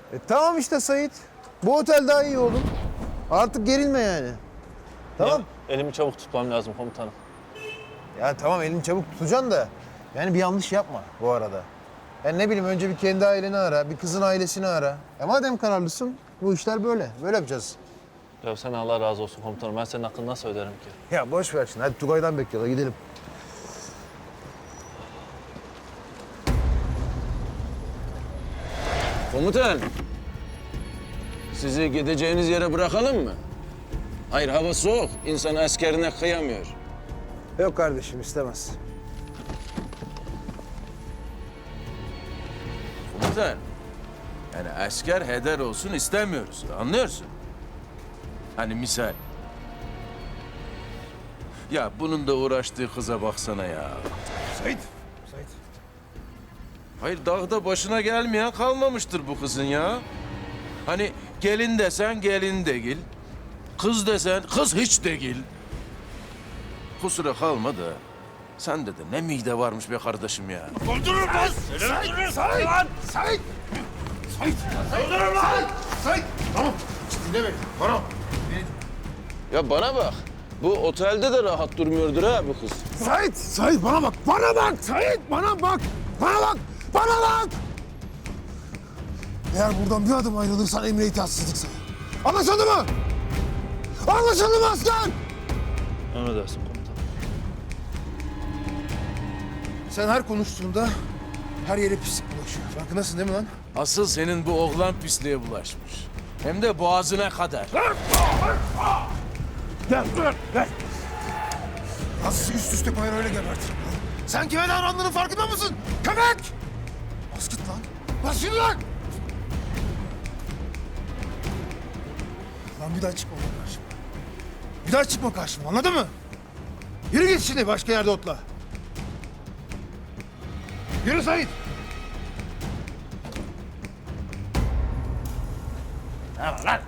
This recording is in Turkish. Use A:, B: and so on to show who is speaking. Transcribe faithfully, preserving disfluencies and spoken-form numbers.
A: E, tamam işte Sait. Bu otel daha iyi oğlum. Artık gerilme yani. Tamam.
B: Ya, elimi çabuk tutmam lazım komutanım.
A: Ya tamam elini çabuk tutacaksın da yani bir yanlış yapma bu arada. Yani ne bileyim önce bir kendi aileni ara, bir kızın ailesini ara. E madem kararlısın bu işler böyle. Böyle yapacağız.
B: Ya sen Allah razı olsun komutanım. Ben senin hakkını nasıl öderim ki?
A: Ya boş ver şimdi. Hadi Tugay'dan bekliyorlar. Gidelim.
C: Komutan, sizi gideceğiniz yere bırakalım mı? Hayır, hava soğuk. İnsan askerine kıyamıyor.
A: Yok kardeşim istemez.
C: Komutan, yani asker heder olsun istemiyoruz. Anlıyorsun? Hani misal. Ya bunun da uğraştığı kıza baksana ya.
A: Sait. Sait.
C: Hayır, dağda başına gelmeyen kalmamıştır bu kızın ya. Hani gelin desen gelin değil. Kız desen kız hiç değil. Kusura kalma da sende de ne mide varmış be kardeşim ya.
D: Öldürürüm lan! Sait! Sait! Sait! Sait! Sait! Öldürürüm lan! Sait! Tamam. Dinle beni. Bana.
C: Ya bana bak. Bu otelde de rahat durmuyordur ha bu kız.
D: Sait! Sait bana bak! Bana bak! Sait bana bak! Bana bak! Bana bak! Eğer buradan bir adım ayrılırsan emre itaatsizlik sana. Anlaşıldı mı? Anlaşıldı mı asker?
B: Emredersin komutanım.
A: Sen her konuştuğunda her yere pislik bulaşıyor. Farkındasın değil mi lan?
C: Asıl senin bu oğlan pisliğe bulaşmış. Hem de boğazına kadar.
D: Gel, dur, gel. Nasıl üst üste koyar öyle gebertir. Sen kime davrandığının farkında mısın? Köpek! Bas git lan. Bas yürü lan! Lan bir daha çıkma lan karşıma. Bir daha çıkma karşıma, anladın mı? Yürü git şimdi başka yerde otla. Yürü Sait. Ne var lan?